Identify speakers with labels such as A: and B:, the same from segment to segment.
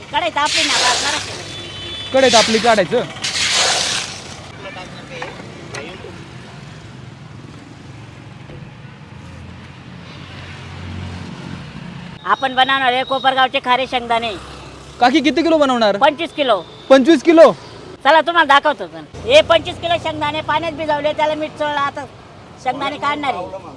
A: कढईत आपली ना जराशी.
B: कढईत आपली काढायचं.
A: आपण बनवणार आहे कोपरगावचे खारे शेंगदाणे.
B: काकी किती किलो बनवणार?
A: 25 किलो.
B: 25 किलो.
A: चला तुम्हाला दाखवतो. हे 25 किलो शेंगदाणे पाण्यात भिजवले, त्याला मीठ चोळलं. आता शेंगदाणे काढणार आहे.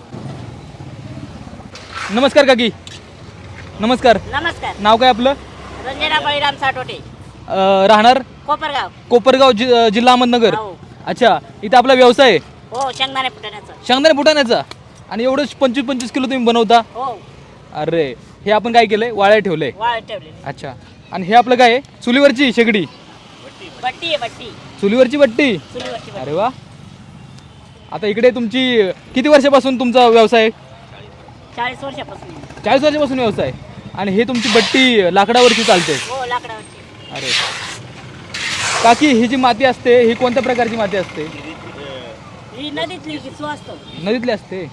B: नमस्कार काकी. नमस्कार.
A: नमस्कार.
B: नाव काय आपलं?
A: रंजना बळीराम साठोटे.
B: राहणार
A: कोपरगाव.
B: कोपरगाव जिल्हा अहमदनगर.
A: हो.
B: अच्छा, इथं आपला व्यवसाय आहे
A: हो, शेंगदाणे फुटण्याचा.
B: शेंगदाणे फुटाण्याचा. आणि एवढं 25-25 किलो तुम्ही बनवता?
A: हो.
B: अरे, हे आपण काय केलंय? वाळ्या ठेवलंय.
A: वाळ ठेवले.
B: अच्छा. आणि हे आपलं काय आहे? चुलीवरची शेगडी.
A: बट्टी आहे, बट्टी.
B: चुलीवरची बट्टी.
A: चुलीवरची बट्टी.
B: अरे वा. आता इकडे तुमची किती वर्षापासून तुमचा व्यवसाय?
A: 40 वर्षापासून.
B: 40 वर्षापासून व्यवसाय. आणि हे तुमची बट्टी लाकडावरची चालते?
A: हो, लाकडावरची.
B: अरे काकी, ही जी माती असते ही कोणत्या प्रकारची माती असते?
A: ही नदीतली असतो.
B: नदीतली असते.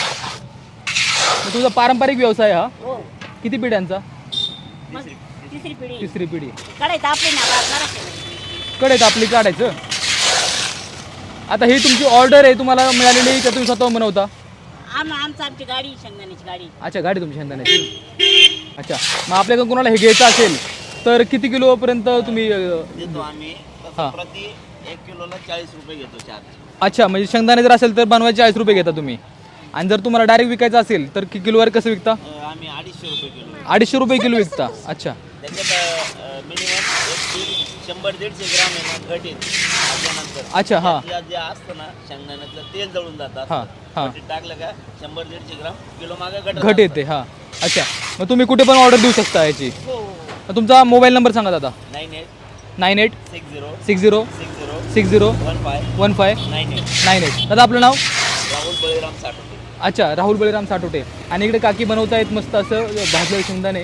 B: मग तुझा पारंपरिक व्यवसाय हा
A: हो.
B: किती पिढ्यांचा?
A: तिसरी पिढी.
B: तिसरी पिढी.
A: कढईत आपली ना जराशी.
B: कढईत आपली काढायचं. आता ही तुमची ऑर्डर आहे, तुम्हाला मिळालेली का तुम्ही स्वतः बनवता?
A: आमची गाडी, शेंगदाण्याची गाडी.
B: अच्छा, गाडी तुमची शेंगदाण्याची. अच्छा, मग आपल्याकडे कोणाला हे घ्यायचं असेल तर किती किलो पर्यंत तुम्ही
C: देतो आम्ही?
B: हां.
C: प्रति 1 किलोला 40 रुपये घेतो चार्ज.
B: अच्छा, म्हणजे शेंगदाणे जर असेल तर बनवायचे 40 रुपये घेता तुम्ही. आणि जर तुम्हाला डायरेक्ट विकायचं असेल तर किलोवर कसं विकता?
C: आम्ही 250 रुपये किलो.
B: 250 रुपये किलो विकता. अच्छा.
C: त्याच्यात मिनिमम 100-150 ग्राम आहे ना घट येते भाजल्यानंतर.
B: अच्छा. हां
C: जे असतं ना शेंगदाण्याचं तेल जळून जातं.
B: हां हां.
C: घटीत टाकलं का 100-150 ग्राम किलो मागे
B: घट येते. हां. अच्छा, मग तुम्ही कुठे पण ऑर्डर देऊ शकता याची.
A: हो.
B: मग तुमचा मोबाईल नंबर सांगा दादा.
C: 98
B: 60 60 15 98. दादा आपलं नाव?
C: राहुल बळीराम साठवते.
B: अच्छा, राहुल बळीराम साठोटे. आणि इकडे काकी बनवतायत मस्त असं भाजलेलं शेंगदाणे.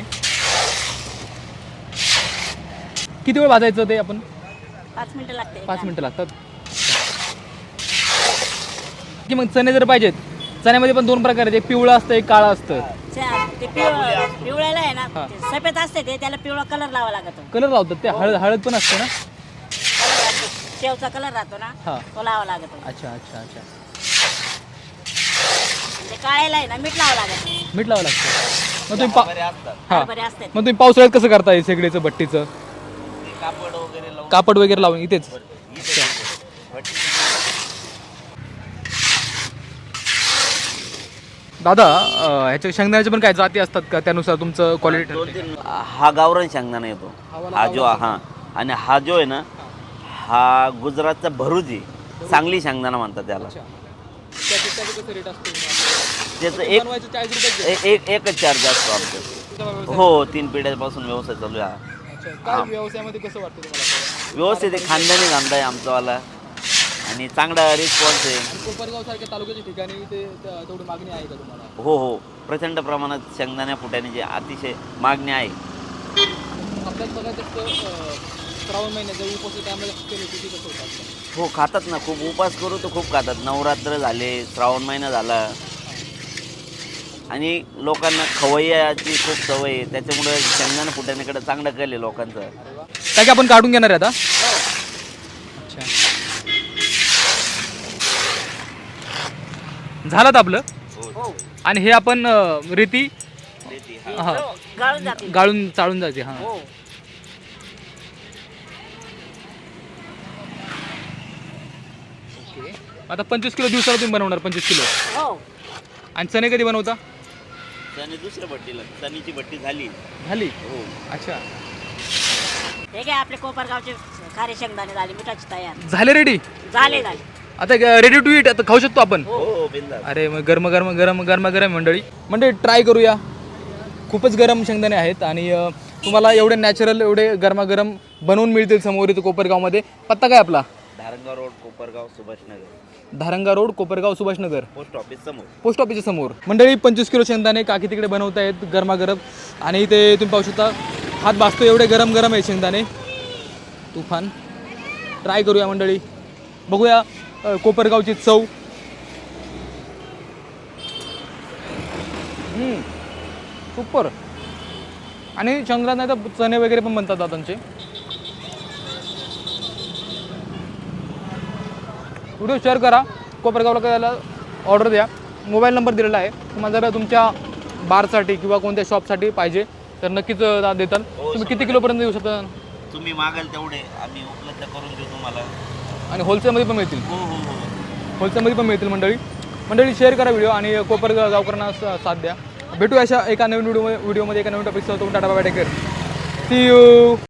B: किती वेळ भाजायचं ते आपण?
A: 5 मिनिटं लागते.
B: 5 मिनिटं लागतात. की मग चणे जर पाहिजेत, चण्यामध्ये पण 2 प्रकार आहेत, एक पिवळं असतं एक काळं असतं.
A: ते पिवळ्याला आहे ना,
B: हा.
A: ते सफेद असते ते, त्याला पिवळा कलर लावा लागतो.
B: कलर लावतात ते. हळद पण असते ना?
A: शेवचा कलर राहतो ना,
B: हा.
A: तो लावा लागतो.
B: अच्छा अच्छा अच्छा.
A: ते काळ्याला आहे ना मीठ लावा लागत.
B: मीठ लावावं लागतं. मग तुम्ही
C: बरे असतात.
B: हां,
A: बरे असते.
B: मग तुम्ही पावसाळ्यात कसं करताय शेगडीचं भट्टीचं?
C: ते कापड वगैरे लावून
B: कापड वगैरे लावून इथेच? दादा, ह्याच्या शेंगदाण्याच्या पण काय जाती असतात का? त्यानुसार तुमचं क्वालिटी ठरते?
C: 2-3 हा गावरान शेंगदाणा येतो. हा जो हा आणि हा जो आहे ना, हा गुजरातचा भरूच आहे. चांगली शेंगदाणा म्हणतात त्याला. त्याचं एकच चार्ज असतो आमचं. हो, 3 पिढ्यापासून व्यवसाय चालू आहे.
B: व्यवसायामध्ये कसं वाटतं तुम्हाला?
C: व्यवस्थित आहे, खानदानी धंदा आहे आमचावाला आणि चांगला रिस्पॉन्स आहे.
B: कोपरगाव सारख्या तालुक्याच्या ठिकाणी ते तेवढी मागणी आहे का तुम्हाला?
C: हो हो, प्रचंड प्रमाणात शेंगदाण्या फुटाण्याची अतिशय मागणी आहे.
B: आपल्यात बघायचं असतं श्रावण महिन्याच्या उपवास टायमाला कसं होतात?
C: हो, खातात ना. खूप उपास करू तर खूप खातात. नवरात्र झाले, श्रावण महिना झाला आणि लोकांना खवय्याची खूप सवय आहे. त्याच्यामुळे शेंगदाणा फुटाण्याकडे चांगला कल आहे लोकांचा.
B: काय की आपण काढून घेणार आहे आता? अच्छा, झालं आपलं.
A: हो.
B: आणि हे आपण रेती हां
A: गाळून जाते.
B: गाळून चाळून जाते. हां.
A: हो.
B: ओके. आता 25 किलो दिवसाला तुम्ही बनवणार? 25 किलो.
A: हो.
B: आणि चणे कधी बनवता?
C: आणि दुसऱ्या भट्टीला चणीची भट्टी झाली.
B: हो. अच्छा,
A: हे काय आपले कोपरगावचे खारे शेंगदाणे झाले, मिठाची तयार
B: झाले रेडी.
A: झाले.
B: आता रेडी टू ईट. आता खाऊ शकतो आपण?
C: हो, बिंदास.
B: अरे मग गरम मंडळी ट्राय करूया. खूपच गरम शेंगदाणे आहेत आणि तुम्हाला एवढे नॅचरल, एवढे गरमागरम बनवून मिळतील समोर इथं कोपरगावमध्ये. पत्ता काय आपला?
C: Dharangaon road, Kopargaon, Subhashnagar.
B: Dharangaon road, Kopargaon, Subhashnagar.
C: Post office समोर.
B: पोस्ट ऑफिसच्या समोर. मंडळी 25 किलो शेंगदाणे काकी तिकडे बनवत आहेत गरमागरम. आणि ते तुम्ही पाहू शकता, हात भाजतो एवढे गरम आहे शेंगदाणे. तुफान. ट्राय करूया मंडळी, बघूया कोपरगावची चव. सुपर. आणि शेंगदाणे नाही तर चणे वगैरे पण बनतात दादांचे. व्हिडिओ शेअर करा, कोपरगावला करायला ऑर्डर द्या. मोबाईल नंबर दिलेला आहे. तुम्हाला जर तुमच्या बारसाठी किंवा कोणत्या शॉपसाठी पाहिजे तर नक्कीच देतात. तुम्ही किती किलोपर्यंत देऊ शकता?
C: तुम्ही मागाल तेवढे आम्ही उपलब्ध करून देऊ तुम्हाला.
B: आणि होलसेलमध्ये पण मिळतील.
C: हो हो हो.
B: होलसेलमध्ये पण मिळतील. मंडळी शेअर करा व्हिडिओ आणि कोपरगावकरांना साथ द्या. भेटू अशा एका नवीन व्हिडिओमध्ये एका नवीन टॉपिकसह. Tata bye, take care, see you.